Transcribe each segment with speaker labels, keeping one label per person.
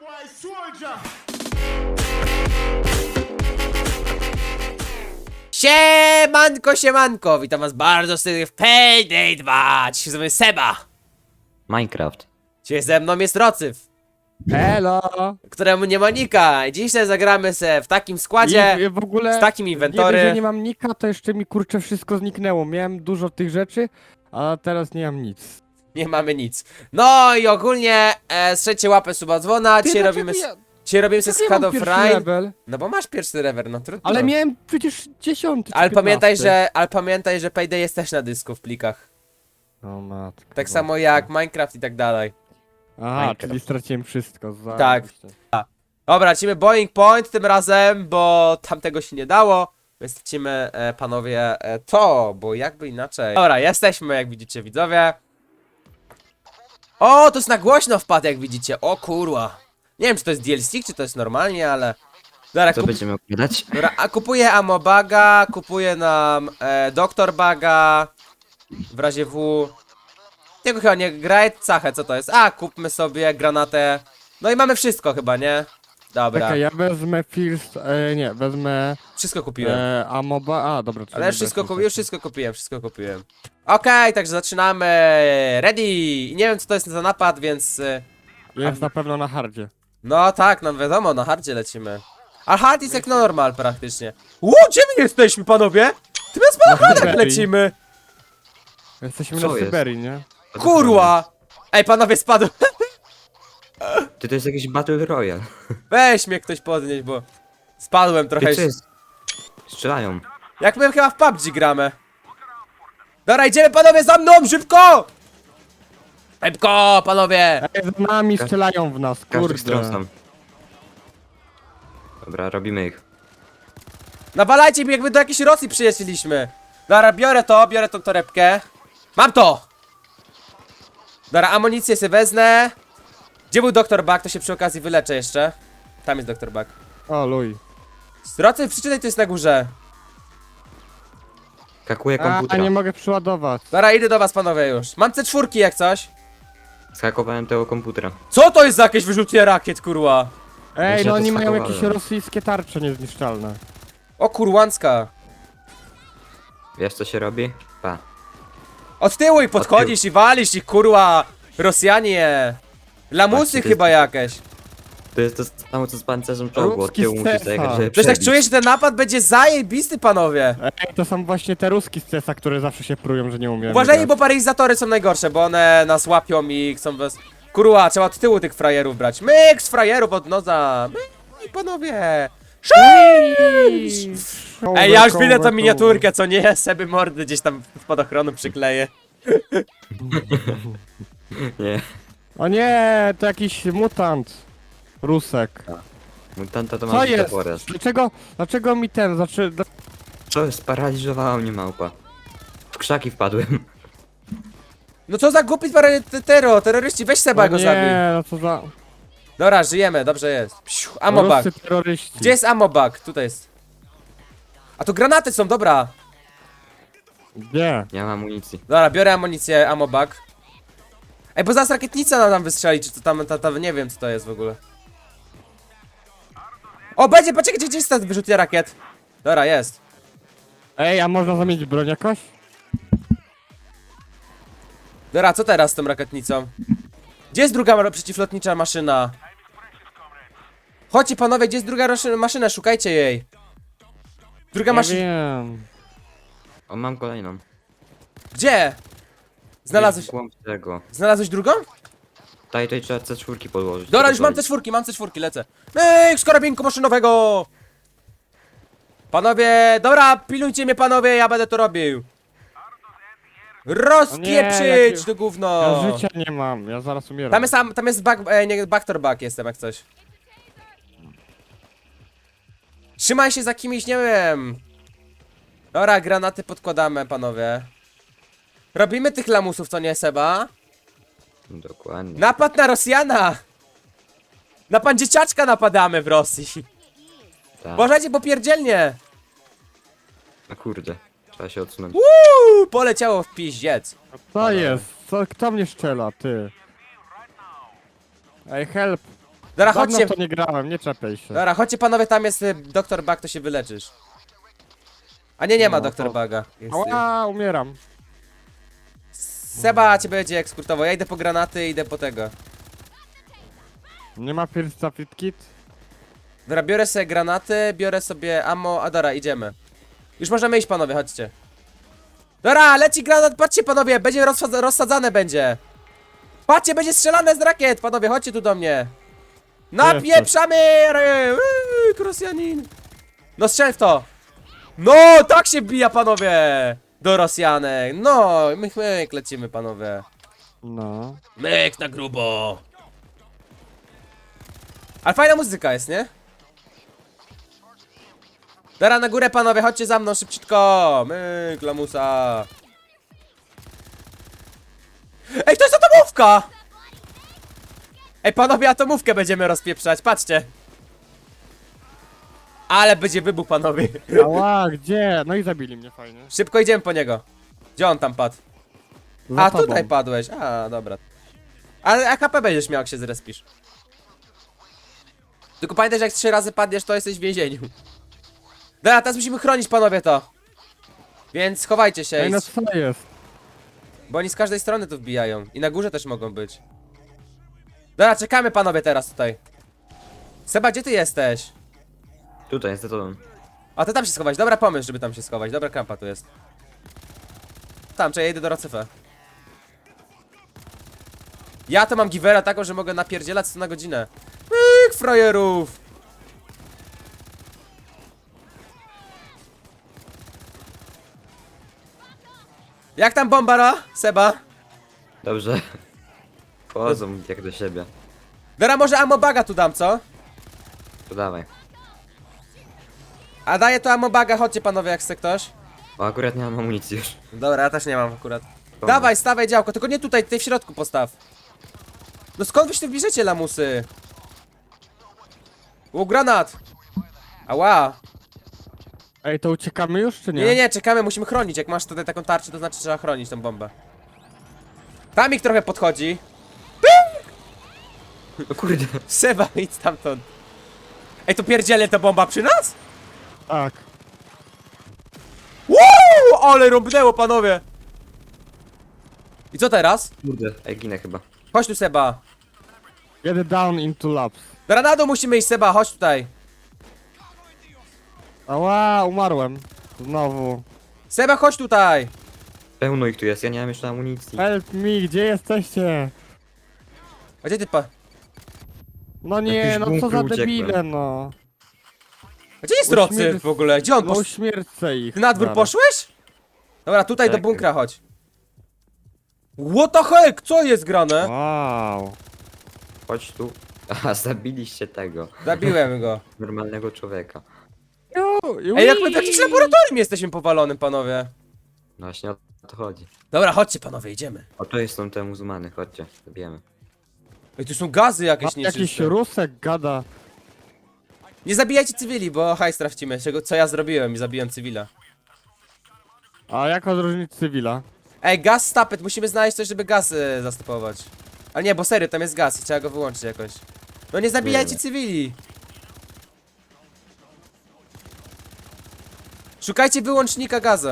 Speaker 1: Siemanko, siemanko! Witam was bardzo serdecznie w Payday 2! Dzisiaj ze mną jest Seba!
Speaker 2: Minecraft.
Speaker 1: Dzisiaj ze mną jest Rocyf,
Speaker 3: Hello!
Speaker 1: któremu nie ma nika. I dzisiaj zagramy se w takim składzie,
Speaker 3: I w ogóle
Speaker 1: z takim
Speaker 3: nie
Speaker 1: inwentory.
Speaker 3: dość, że nie mam nika, to jeszcze mi kurczę wszystko zniknęło. Miałem dużo tych rzeczy, a teraz nie mam nic.
Speaker 1: Nie mamy nic. No i ogólnie strzelcie łapę, suba, dzwona. Dzisiaj robimy, dzisiaj robimy se
Speaker 3: ja mam
Speaker 1: Skad of
Speaker 3: pierwszy
Speaker 1: Rain.
Speaker 3: level?
Speaker 1: No bo masz pierwszy rewer, no trudno.
Speaker 3: Ale miałem przecież 10 czy
Speaker 1: Ale pamiętaj,
Speaker 3: 15.
Speaker 1: ale pamiętaj, że Payday jest też na dysku w plikach.
Speaker 3: O matko.
Speaker 1: Tak samo jak Minecraft i tak dalej.
Speaker 3: Aha,
Speaker 2: Minecraft.
Speaker 3: czyli straciłem wszystko.
Speaker 1: Tak.
Speaker 3: zajebiście.
Speaker 1: Dobra, lecimy Boeing Point tym razem, bo tamtego się nie dało. Więc lecimy, panowie, to, bo jakby inaczej. Dobra, jesteśmy, jak widzicie, widzowie. O, to jest na głośno wpadł, jak widzicie. O kurwa. Nie wiem, czy to jest DLC, czy to jest normalnie, ale... Dobra,
Speaker 2: Co będziemy oglądać?
Speaker 1: Dobra, a kupuję ammo baga, kupuję nam doktor baga. W razie W. Tego chyba nie graj, cachę, co to jest? A, kupmy sobie granatę. No i mamy wszystko chyba, nie? Dobra,
Speaker 3: Czekaj, ja wezmę first, nie, wezmę
Speaker 1: wszystko kupiłem.
Speaker 3: amoba, a dobra.
Speaker 1: Ale już wszystko kupiłem. Okej, także zaczynamy. Ready! I nie wiem, co to jest za napad, więc...
Speaker 3: Jest na pewno na hardzie.
Speaker 1: No tak, nam wiadomo, na hardzie lecimy. A hard jest jak normal praktycznie. Gdzie my jesteśmy, panowie? Ty bez balachadek
Speaker 3: Syberii.
Speaker 1: lecimy.
Speaker 3: Jesteśmy
Speaker 2: Co
Speaker 3: na
Speaker 2: jest?
Speaker 3: Syberii, nie?
Speaker 1: Kurwa! Ej, panowie, spadł.
Speaker 2: Ty to jest jakiś Battle Royale.
Speaker 1: Weź mnie ktoś podnieść, bo... Spadłem trochę.
Speaker 2: Ty, co jest? Strzelają.
Speaker 1: Jak my chyba w PUBG gramy. Dobra, idziemy panowie za mną, szybko! Szybko, panowie!
Speaker 3: Ej, za nami strzelają w nas,
Speaker 2: Każdy stron
Speaker 3: kurde.
Speaker 2: sam. Dobra, robimy ich.
Speaker 1: Nawalajcie mi, jakby do jakiejś Rosji przyjeździliśmy. Dobra, biorę tą torebkę. Mam to! Dobra, amunicję sobie wezmę. Gdzie był doktor Bug? To się przy okazji wyleczę jeszcze. Tam jest doktor Bug.
Speaker 3: O, luj.
Speaker 1: Rocy, przeczytaj, to jest na górze.
Speaker 2: Hakuję
Speaker 3: A,
Speaker 2: komputer.
Speaker 3: nie mogę przeładować.
Speaker 1: Dobra, idę do was panowie już. Mam C4 jak coś.
Speaker 2: Zhakowałem tego komputera.
Speaker 1: Co to jest za jakieś wyrzucie rakiet, kurwa?
Speaker 3: Ej,
Speaker 2: się
Speaker 3: no
Speaker 2: to
Speaker 3: oni mają
Speaker 2: schakowałem.
Speaker 3: jakieś rosyjskie tarcze niezniszczalne.
Speaker 1: O kurłancka.
Speaker 2: Wiesz co się robi? Pa.
Speaker 1: Od tyłu i podchodzisz i walisz ich, kurwa. Rosjanie. Lamusy
Speaker 2: Patrzcie, to
Speaker 1: chyba
Speaker 2: jest-
Speaker 1: jakieś.
Speaker 2: To jest to samo co z pancerzem czołgu. Od
Speaker 3: Ruski
Speaker 2: tyłu musisz
Speaker 3: Cesar.
Speaker 2: zajechać, żeby
Speaker 1: Przecież tak
Speaker 2: przebić.
Speaker 1: czuję, że ten napad będzie zajebisty, panowie.
Speaker 3: Ej, to są właśnie te ruski z CESa, które zawsze się prują, że nie umieją
Speaker 1: Uważaj,
Speaker 3: grać.
Speaker 1: bo paryzatory są najgorsze, bo one nas łapią i chcą was... Kurwa, trzeba od tyłu tych frajerów brać. Myk z frajerów od noza. Myk, panowie. Ej, ja już widzę tą miniaturkę, co nie? Seby mordy gdzieś tam w spadochronu przykleję.
Speaker 2: Nie.
Speaker 3: O nie, to jakiś mutant. Rusek.
Speaker 2: Mutanta to
Speaker 3: Co
Speaker 2: ma
Speaker 3: jest?
Speaker 2: porez.
Speaker 3: Dlaczego mi ten,
Speaker 2: Co? Sparaliżowała mnie małpa. W krzaki wpadłem.
Speaker 1: No co za głupi terroryści, weź Seba go zabij.
Speaker 3: nie, no co za...
Speaker 1: Dobra, żyjemy, dobrze jest. Psiu, amobag.
Speaker 3: Ruscy terroryści.
Speaker 1: Gdzie jest amobag? Tutaj jest. A tu granaty są, dobra.
Speaker 3: Gdzie?
Speaker 2: Nie mam amunicji.
Speaker 1: Dobra, biorę amunicję, amobag. Ej, bo zaraz rakietnica nam wystrzeli, czy to tam, nie wiem co to jest w ogóle. O, będzie, poczekaj, gdzie jest ten wyrzutnia rakiet? Dobra, jest.
Speaker 3: Ej, a można zamienić broń jakoś?
Speaker 1: Dobra, co teraz z tą rakietnicą? Gdzie jest druga przeciwlotnicza maszyna? Chodźcie panowie, gdzie jest druga maszyna, szukajcie jej. Druga
Speaker 3: Ja
Speaker 1: maszyna.
Speaker 3: wiem.
Speaker 2: O, mam kolejną.
Speaker 1: Gdzie? Znalazłeś,
Speaker 2: W głąb tego.
Speaker 1: znalazłeś drugą?
Speaker 2: Tutaj trzeba C4 podłożyć.
Speaker 1: Dobra,
Speaker 2: żeby
Speaker 1: już mam
Speaker 2: bronić.
Speaker 1: te czwórki, lecę. Myk, z karabinku maszynowego! Panowie, dobra, pilnujcie mnie panowie, ja będę to robił. Rozpieprzyć
Speaker 3: jakie-
Speaker 1: to gówno!
Speaker 3: Ja życia nie mam, ja zaraz umieram.
Speaker 1: Tam jest backdoor back jestem jak coś. Trzymaj się za kimś, nie wiem. Dobra, granaty podkładamy panowie. Robimy tych lamusów, co nie Seba?
Speaker 2: Dokładnie.
Speaker 1: Napad na Rosjana! Na pan dzieciaczka napadamy w Rosji.
Speaker 2: Tak.
Speaker 1: Uważajcie, bo pierdzielnie!
Speaker 2: No kurde. Trzeba się odsunąć.
Speaker 1: Poleciało w piździec.
Speaker 3: Co jest? Co, kto mnie strzela, ty? Ej, help!
Speaker 1: Dobra,
Speaker 3: Dawno
Speaker 1: chodźcie.
Speaker 3: w to nie grałem, nie czepiaj się.
Speaker 1: Dobra, chodźcie panowie, tam jest Dr. Bug, to się wyleczysz. A nie ma
Speaker 3: No,
Speaker 1: Dr.
Speaker 3: to-
Speaker 1: Buga. Jest,
Speaker 3: Ała, umieram.
Speaker 1: Seba cię będzie ekskurtował, ja idę po granaty, idę po tego.
Speaker 3: Nie ma first fit kit?
Speaker 1: Dobra, biorę sobie granaty, biorę sobie ammo, a dobra, idziemy. Już możemy iść panowie, chodźcie. Dobra, leci granat, patrzcie panowie, będzie rozsadzane będzie. Patrzcie, będzie strzelane z rakiet, panowie, chodźcie tu do mnie. Napieprzamy! Rosjanin. No strzel w to. No, tak się bija panowie. Do Rosjanek, no, myk, lecimy panowie.
Speaker 3: No.
Speaker 1: Myk na grubo. Ale fajna muzyka jest, nie? Dobra, na górę panowie, chodźcie za mną szybciutko. Myk, lamusa. Ej, to jest atomówka! Ej, panowie, atomówkę będziemy rozpieprzać, patrzcie. Ale będzie wybuch, panowie.
Speaker 3: Ała, gdzie? No i zabili mnie fajnie.
Speaker 1: Szybko idziemy po niego. Gdzie on tam padł?
Speaker 3: Za
Speaker 1: A,
Speaker 3: tobą.
Speaker 1: tutaj padłeś. A, dobra. Ale AKP będziesz miał, jak się zrespisz. Tylko pamiętaj, że jak 3 razy padniesz, to jesteś w więzieniu. Dobra, teraz musimy chronić, panowie, to. Więc chowajcie się,
Speaker 3: Ej, no co jest?
Speaker 1: bo oni z każdej strony tu wbijają. I na górze też mogą być. Dobra, czekamy, panowie, teraz tutaj. Seba, gdzie ty jesteś?
Speaker 2: Tutaj jest za tobą.
Speaker 1: A ty tam się schować, dobra pomysł, żeby tam się schować. Dobra krampa tu jest. Tam, czy ja idę do Rocyfę. Ja to mam givera taką, że mogę napierdzielać 100 na godzinę. Frajerów! Jak tam bombara, Seba?
Speaker 2: Dobrze. Wchodzą jak do siebie.
Speaker 1: Dobra, może amobaga tu dam, co?
Speaker 2: To dawaj.
Speaker 1: A daję to amobaga, chodźcie panowie, jak chce ktoś.
Speaker 2: O, akurat nie mam amunicji już.
Speaker 1: Dobra, ja też nie mam akurat.
Speaker 2: Dobra.
Speaker 1: Dawaj, stawaj działko, tylko nie tutaj, tutaj w środku postaw. No skąd wy się tu bierzecie, lamusy? U, granat! Ała!
Speaker 3: Ej, to uciekamy już, czy nie?
Speaker 1: Nie, czekamy, musimy chronić. Jak masz tutaj taką tarczę, to znaczy trzeba chronić tą bombę. Tam ich trochę podchodzi.
Speaker 2: O kurde.
Speaker 1: Seba, idź stamtąd. Ej, to pierdzielę ta bomba przy nas?
Speaker 3: Tak.
Speaker 1: Woo! Ale rąbnęło, panowie! I co teraz?
Speaker 2: Kurde. Ej, ginę chyba.
Speaker 1: Chodź tu, Seba.
Speaker 3: Get down into labs.
Speaker 1: Granado musimy iść, Seba, chodź tutaj.
Speaker 3: Ała, umarłem. Znowu.
Speaker 1: Seba, chodź tutaj.
Speaker 2: Pełno ich tu jest, ja nie mam jeszcze amunicji.
Speaker 3: Help me, gdzie jesteście?
Speaker 1: A gdzie ty pa...
Speaker 3: No nie,
Speaker 2: Jakiś
Speaker 3: no co
Speaker 2: bunkry
Speaker 3: za
Speaker 2: uciekłem.
Speaker 3: debile, no.
Speaker 1: A gdzie jest Rocy w ogóle? Gdzie on
Speaker 3: No
Speaker 1: poszedł?
Speaker 3: uśmiercę ich.
Speaker 1: Ty na dwór
Speaker 3: zaraz.
Speaker 1: poszłeś? Dobra, tutaj do
Speaker 2: Tak.
Speaker 1: bunkra chodź. What the heck? Co jest grane?
Speaker 3: Wow.
Speaker 2: Chodź tu. Aha, zabiliście tego.
Speaker 1: Zabiłem go.
Speaker 2: Normalnego człowieka.
Speaker 1: Ej, jak my w jakimś laboratorium jesteśmy powalonym, panowie.
Speaker 2: No właśnie o to chodzi.
Speaker 1: Dobra, chodźcie, panowie, idziemy.
Speaker 2: O, to są te muzułmany, chodźcie, zabijemy.
Speaker 1: Ej, tu są gazy jakieś
Speaker 3: Jakiś
Speaker 1: nieczyste.
Speaker 3: rusek gada.
Speaker 1: Nie zabijajcie cywili, bo hajs tracimy. Co ja zrobiłem i zabiłem cywila.
Speaker 3: A jak odróżnić cywila?
Speaker 1: Ej, gaz stapet, musimy znaleźć coś, żeby gaz zastopować. Ale nie, bo serio, tam jest gaz i trzeba go wyłączyć jakoś. No nie zabijajcie
Speaker 2: Nie.
Speaker 1: cywili. Szukajcie wyłącznika gazu.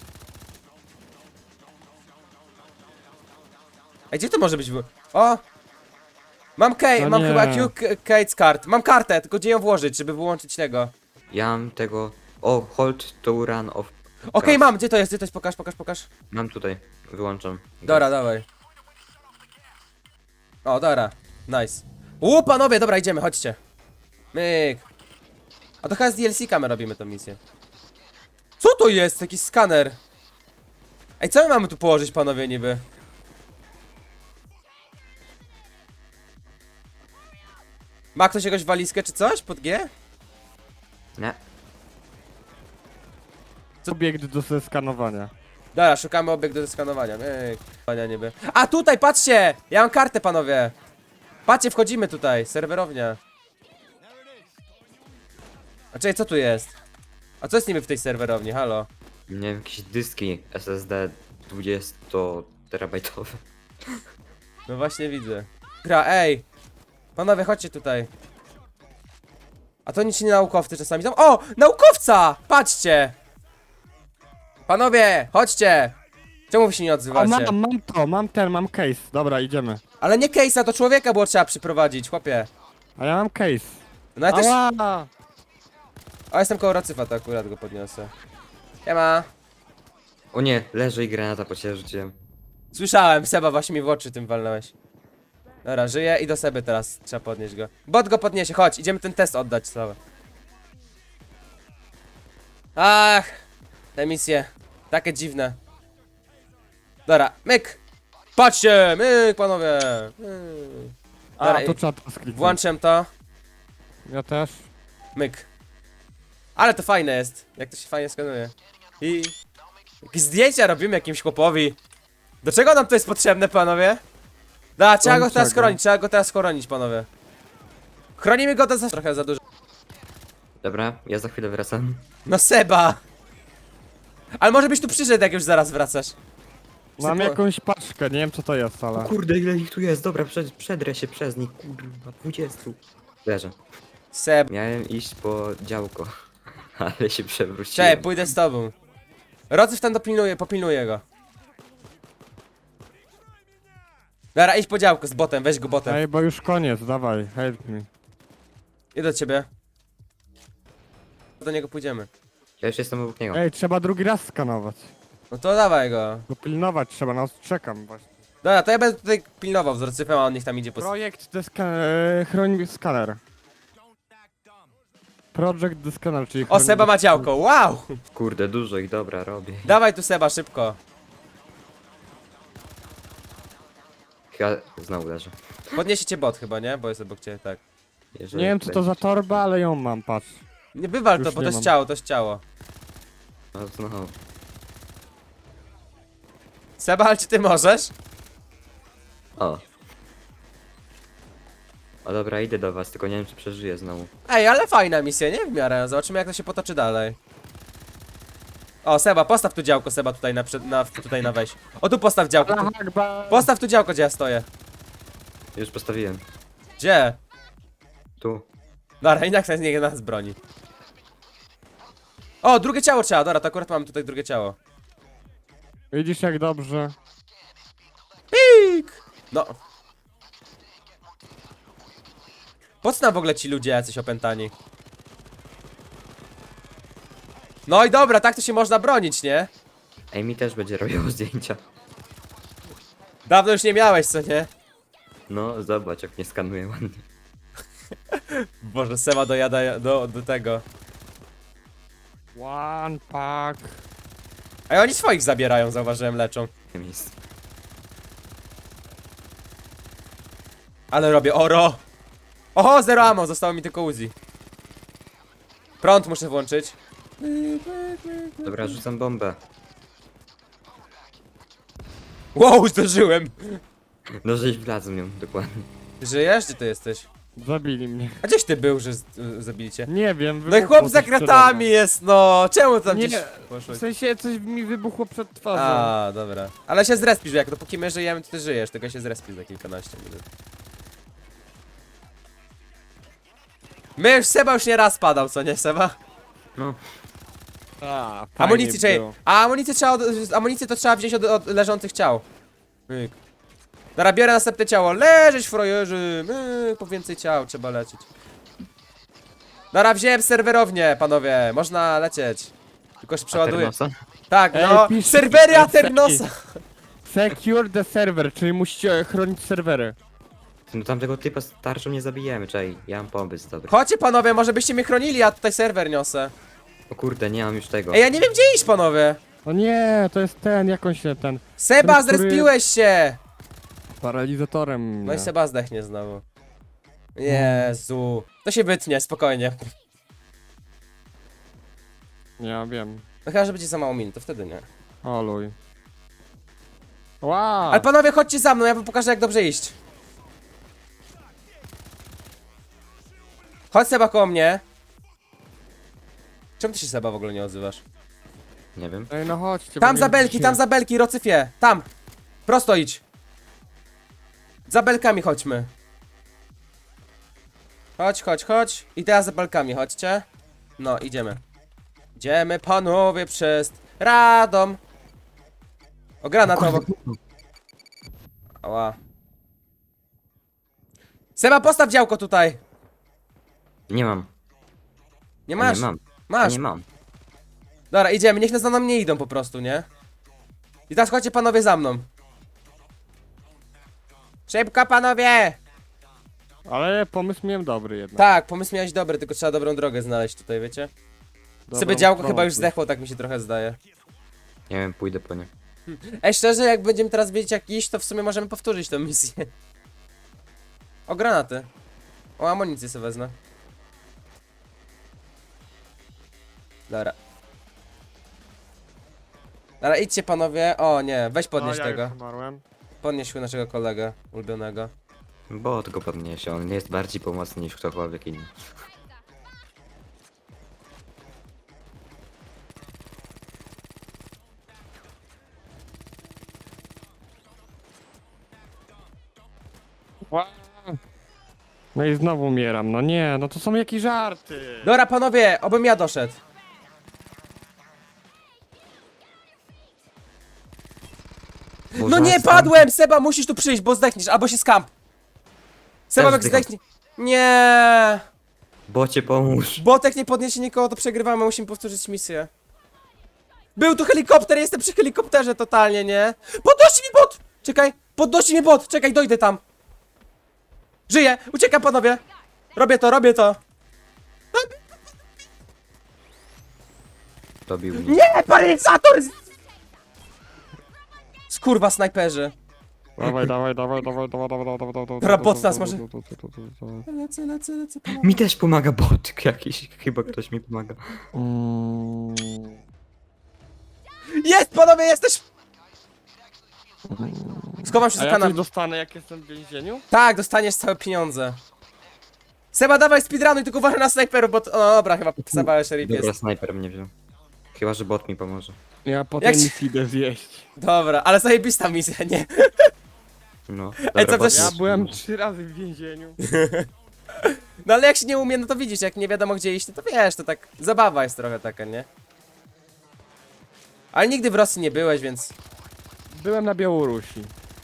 Speaker 1: Ej, gdzie to może być? O! Mam
Speaker 3: No
Speaker 1: mam
Speaker 3: nie.
Speaker 1: chyba Kate's card. Mam kartę, tylko gdzie ją włożyć, żeby wyłączyć tego.
Speaker 2: Ja mam tego... O, hold to run off.
Speaker 1: Okej,
Speaker 2: gas.
Speaker 1: mam, gdzie to jest? Gdzie to jest? Pokaż.
Speaker 2: Mam tutaj, wyłączam.
Speaker 1: Dobra, dawaj. O, dobra. Nice. Panowie, dobra, idziemy, chodźcie. Myk. A to chyba z DLC-ka my robimy tą misję. Co to jest? Jakiś skaner. Ej, co my mamy tu położyć, panowie, niby? Ma ktoś jakąś walizkę czy coś pod G?
Speaker 2: Nie.
Speaker 3: Obiekt do zeskanowania.
Speaker 1: Dobra, szukamy obiekt do skanowania. Pania niby. A tutaj, patrzcie! Ja mam kartę, panowie. Patrzcie, wchodzimy tutaj. Serwerownia. A czekaj, co tu jest? A co jest niby w tej serwerowni? Halo?
Speaker 2: Nie wiem, jakieś dyski SSD 20 terabajtowe.
Speaker 1: No właśnie widzę. Gra, ej! Panowie, chodźcie tutaj. A to nic nie naukowcy czasami tam. O! Naukowca! Patrzcie! Panowie, chodźcie! Czemu wy się nie
Speaker 3: O,
Speaker 1: odzywacie?
Speaker 3: mam case. Dobra, idziemy.
Speaker 1: Ale nie case'a, to człowieka było trzeba przyprowadzić, chłopie.
Speaker 3: A ja mam case.
Speaker 1: No ja też...
Speaker 3: Ała!
Speaker 1: O, jestem koło Rocyfa, to akurat go podniosę. Siema.
Speaker 2: O nie, leży i granata po ciebie rzuciłem.
Speaker 1: Słyszałem, Seba, właśnie mi w oczy tym walnąłeś. Dobra, żyje i do Seby teraz trzeba podnieść go. Bot go podniesie, chodź, idziemy ten test oddać cały. Ach, te misje, takie dziwne. Dobra, myk! Patrzcie, myk, panowie! Myk.
Speaker 3: A,
Speaker 1: Dobra,
Speaker 3: to
Speaker 1: i
Speaker 3: trzeba to skliknąć.
Speaker 1: włączam to,
Speaker 3: Ja też.
Speaker 1: myk. Ale to fajne jest, jak to się fajnie skanuje. I... Jakieś zdjęcia robimy jakimś chłopowi. Do czego nam to jest potrzebne, panowie? Da, trzeba go teraz chronić, panowie. Chronimy go to trochę za dużo.
Speaker 2: Dobra, ja za chwilę wracam.
Speaker 1: No Seba! Ale może byś tu przyszedł, jak już zaraz wracasz.
Speaker 3: Mam
Speaker 1: Sypo-
Speaker 3: jakąś paczkę, nie wiem co to jest,
Speaker 2: O
Speaker 3: ale...
Speaker 2: kurde, ile ich tu jest, dobra, przedrę się przez nich, kurwa, 20. Leżę.
Speaker 1: Seb,
Speaker 2: Miałem iść po działko, ale się przewróciłem.
Speaker 1: cześć, pójdę z tobą. Rodzyw tam popilnuje go. Dobra, idź po działku z botem, weź go botem.
Speaker 3: Ej, bo już koniec, dawaj, help me.
Speaker 1: Idę do ciebie. Do niego pójdziemy.
Speaker 2: Ja już jestem obok niego.
Speaker 3: Ej, trzeba drugi raz skanować.
Speaker 1: No to dawaj go.
Speaker 3: Bo pilnować trzeba, no czekam właśnie.
Speaker 1: Dobra, to ja będę tutaj pilnował z Rodzyfem, a on niech tam idzie po...
Speaker 3: Projekt chroń skaner. Project the scanner, czyli
Speaker 1: O, Seba ma działko, wow!
Speaker 2: Kurde, dużo ich, dobra, robię.
Speaker 1: Dawaj tu Seba, szybko.
Speaker 2: Chyba znowu leżę.
Speaker 1: Podniesie cię bot chyba, nie? Bo jest obok ciebie, tak.
Speaker 2: Jeżeli
Speaker 3: Nie wiem co to za
Speaker 2: będzie-
Speaker 3: torba, ale ją mam, patrz.
Speaker 1: Nie wywal to,
Speaker 3: Już
Speaker 1: bo
Speaker 3: nie
Speaker 1: to jest
Speaker 3: mam.
Speaker 1: ciało, to jest ciało.
Speaker 2: No znowu.
Speaker 1: Seba, ale czy ty możesz?
Speaker 2: O. O dobra, idę do was, tylko nie wiem czy przeżyję znowu.
Speaker 1: Ej, ale fajna misja, nie? W miarę. Zobaczymy jak to się potoczy dalej. O, Seba, postaw tu działko, Seba, tutaj tutaj na weź. O, tu postaw działko. Tu. Postaw tu działko, gdzie ja stoję.
Speaker 2: Już postawiłem.
Speaker 1: Gdzie?
Speaker 2: Tu.
Speaker 1: Dobra, i niech nas broni. O, drugie ciało trzeba, dobra, to akurat mam tutaj drugie ciało.
Speaker 3: Widzisz jak dobrze.
Speaker 1: Pik! No. Po co nam w ogóle ci ludzie jacyś opętani? No i dobra, tak to się można bronić, nie?
Speaker 2: Ej, mi też będzie robiło zdjęcia.
Speaker 1: Dawno już nie miałeś, co nie?
Speaker 2: No, zobacz jak mnie skanuje ładnie.
Speaker 1: Boże, Seba dojada do tego.
Speaker 3: One pack.
Speaker 1: A oni swoich zabierają, zauważyłem, leczą.
Speaker 2: Miejsce.
Speaker 1: Ale robię oro! Oho, zero ammo, zostało mi tylko Uzi. Prąd muszę włączyć.
Speaker 2: Dobra, rzucam bombę.
Speaker 1: Wow, zdążyłem!
Speaker 2: No, żeś wlazł w nią, dokładnie.
Speaker 1: Żyjesz? Gdzie ty jesteś?
Speaker 3: Zabili mnie.
Speaker 1: A gdzieś ty był, że zabili cię?
Speaker 3: Nie wiem,
Speaker 1: No i
Speaker 3: wybuchło
Speaker 1: chłop za
Speaker 3: coś przede
Speaker 1: kratami
Speaker 3: mną.
Speaker 1: jest, no! Czemu tam
Speaker 3: Nie,
Speaker 1: gdzieś
Speaker 3: w
Speaker 1: poszłeś?
Speaker 3: sensie coś mi wybuchło przed twarzą.
Speaker 1: A, dobra. Ale się zrespisz, jak dopóki my żyjemy, to ty żyjesz, tylko się zrespisz za kilkanaście minut. My już Seba już nie raz padał, co nie Seba?
Speaker 2: No,
Speaker 3: A, fajnie
Speaker 1: Amunicji trzeba.
Speaker 3: było.
Speaker 1: A amunicję to trzeba wziąć od leżących ciał. Myk. Dobra, biorę następne ciało. Leżeć frajerzy. Myk, po więcej ciał trzeba lecieć. Dobra, wziąłem serwerownię, panowie. Można lecieć. Tylko się przeładuję.
Speaker 2: Aternosa?
Speaker 1: Tak,
Speaker 3: Ej,
Speaker 1: no.
Speaker 3: pisz-
Speaker 1: Serwery
Speaker 3: ej,
Speaker 1: Aternosa.
Speaker 3: Secure the server, czyli musicie chronić serwery.
Speaker 2: No tamtego typa z tarczą nie zabijemy, czekaj, ja mam pomysł dobry.
Speaker 1: Chodźcie panowie, może byście mnie chronili, ja tutaj serwer niosę.
Speaker 2: O kurde, nie mam już tego.
Speaker 1: Ej, ja nie wiem gdzie iść, panowie.
Speaker 3: O nie, to jest ten, jakąś ten,
Speaker 1: Seba,
Speaker 3: Ten, który-
Speaker 1: zrespiłeś się.
Speaker 3: paralizatorem.
Speaker 1: No i
Speaker 3: mnie.
Speaker 1: Seba zdechnie znowu. Jezu. To się wytnie, spokojnie.
Speaker 3: Ja wiem.
Speaker 1: No chyba, że będzie za mało min, to wtedy nie.
Speaker 3: Oluj. Wow.
Speaker 1: Ale panowie, chodźcie za mną, ja wam pokażę jak dobrze iść. Chodź Seba koło mnie. Czemu ty się Seba w ogóle nie odzywasz?
Speaker 2: Nie wiem.
Speaker 3: Ej, no chodźcie.
Speaker 1: Tam
Speaker 3: bo
Speaker 1: za
Speaker 3: nie
Speaker 1: belki,
Speaker 3: widzicie.
Speaker 1: tam za belki, Rocyfie. Tam. Prosto idź. Za belkami chodźmy. Chodź, chodź, chodź. I teraz za balkami, chodźcie. No, idziemy. Idziemy, panowie, przez Radom. O, granat obok. Ała. Seba, postaw działko tutaj.
Speaker 2: Nie mam.
Speaker 1: Nie masz?
Speaker 2: Nie mam.
Speaker 1: Masz.
Speaker 2: Nie mam.
Speaker 1: Dobra, idziemy, niech nas za mną nie idą po prostu, nie? I teraz chodźcie panowie za mną. Szybko, panowie!
Speaker 3: Ale pomysł miałem dobry jednak.
Speaker 1: Tak, pomysł miałeś dobry, tylko trzeba dobrą drogę znaleźć tutaj, wiecie?
Speaker 3: Dobrą
Speaker 1: Sobie działko
Speaker 3: stronę.
Speaker 1: chyba już zdechło, tak mi się trochę zdaje.
Speaker 2: Nie wiem, pójdę po nie.
Speaker 1: Ej, szczerze, jak będziemy teraz wiedzieć jak iść, to w sumie możemy powtórzyć tę misję. O, granaty. O, amunicję sobie wezmę. Dobra. Dobra, idźcie panowie. O nie, weź podnieś
Speaker 3: ja
Speaker 1: tego.
Speaker 3: już umarłem.
Speaker 1: Podnieś naszego kolegę ulubionego.
Speaker 2: Bo go podniesie, on jest bardziej pomocny niż ktokolwiek inny.
Speaker 3: Ła. No i znowu umieram, no nie, no to są jakieś żarty.
Speaker 1: Dobra panowie, obym ja doszedł. No
Speaker 2: Boże,
Speaker 1: nie,
Speaker 2: sam-
Speaker 1: padłem! Seba, musisz tu przyjść, bo zdechniesz, albo się skamp. Seba,
Speaker 2: Też
Speaker 1: jak
Speaker 2: zdycham.
Speaker 1: zdechnie... Nie.
Speaker 2: Bocie pomóż.
Speaker 1: Botek nie podniesie nikogo, to przegrywamy, musimy powtórzyć misję. Był tu helikopter, jestem przy helikopterze totalnie, nie? Podnosi mi bot! Czekaj, podnosi mi bot, czekaj, dojdę tam. Żyję, uciekam panowie. Robię to, robię to.
Speaker 2: Dobił mnie.
Speaker 1: Nie, paralizator! Skurwa, snajperzy.
Speaker 3: Dawaj, dawaj, dawaj, dawaj, dawaj, dawaj, dawaj, dawaj.
Speaker 1: Robot nas może-
Speaker 3: może.
Speaker 1: Lecę, panowie.
Speaker 2: Mi też pomaga botyk jakiś. Chyba ktoś mi pomaga.
Speaker 1: Jest, panowie, jesteś! Schowam się
Speaker 3: A
Speaker 1: za
Speaker 3: ja
Speaker 1: kanał.
Speaker 3: coś dostanę jak jestem w więzieniu?
Speaker 1: Tak, dostaniesz całe pieniądze. Seba, dawaj speedrunuj, tylko uważaj na snajperów, bo... O, dobra, chyba Seba szeryf
Speaker 2: Dobra,
Speaker 1: jest.
Speaker 2: snajper mnie wziął. Chyba, że bot mi pomoże.
Speaker 3: Ja potem
Speaker 1: Jak ci-
Speaker 3: nic idę zjeść.
Speaker 1: Dobra, ale zajebista misja, nie?
Speaker 2: No.
Speaker 1: Ej, co
Speaker 2: Dobra, bot
Speaker 1: też-
Speaker 3: Ja
Speaker 2: mi
Speaker 3: byłem
Speaker 2: pomoże.
Speaker 3: 3 razy w więzieniu.
Speaker 1: No ale jak się nie umie, no to widzisz, jak nie wiadomo gdzie iść, to wiesz, to tak... Zabawa jest trochę taka, nie? Ale nigdy w Rosji nie byłeś, więc...
Speaker 3: Byłem na Białorusi.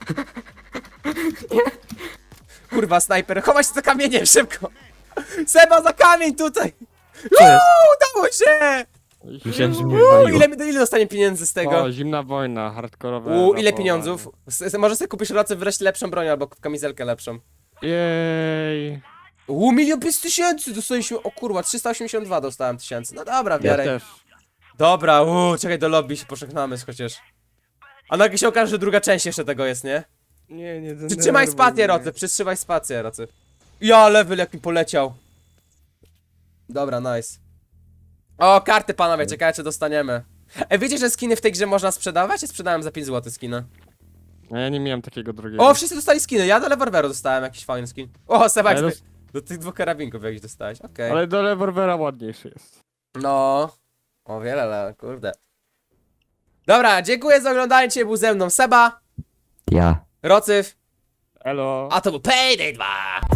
Speaker 1: Kurwa, snajper, chowaj się za kamieniem, szybko! Seba, za kamień tutaj!
Speaker 2: Co jest?
Speaker 1: Udało się!
Speaker 2: Myślałem, że mnie wywaliło.
Speaker 1: Ile dostanie pieniędzy z tego?
Speaker 3: O, zimna wojna, hardkorowe.
Speaker 1: Ile
Speaker 3: rapowanie.
Speaker 1: pieniądzów? Może sobie kupisz rocy wreszcie lepszą broń albo kamizelkę lepszą.
Speaker 3: Jej.
Speaker 1: 1 500 000 dostaliśmy, o kurwa, 382 dostałem tysięcy. No dobra,
Speaker 3: Ja
Speaker 1: biorę.
Speaker 3: też.
Speaker 1: Dobra, czekaj do lobby się pożegnamy chociaż. A nagle się okaże, że druga część jeszcze tego jest, nie?
Speaker 3: Nie,
Speaker 1: Przytrzymaj spację, Rocy, przytrzymaj spację, Rocy. Ja, level jak mi poleciał. Dobra, nice. O, karty panowie, czekajcie, dostaniemy. Ej, wiecie, że skiny w tej grze można sprzedawać? Ja sprzedałem za 5 zł skiny.
Speaker 3: A ja nie miałem takiego drugiego.
Speaker 1: O, wszyscy dostali skiny, ja do Leververu dostałem jakiś fajny skin. O, Sebak,
Speaker 3: Ale
Speaker 1: do tych dwóch karabinków jakiś dostałeś, okej.
Speaker 3: Ale do rewolwera ładniejszy jest.
Speaker 1: No, o wiele, kurde. Dobra, dziękuję za oglądanie, dzisiaj był ze mną Seba,
Speaker 2: Ja.
Speaker 1: Rocyf,
Speaker 3: Elo.
Speaker 1: a to był Payday 2.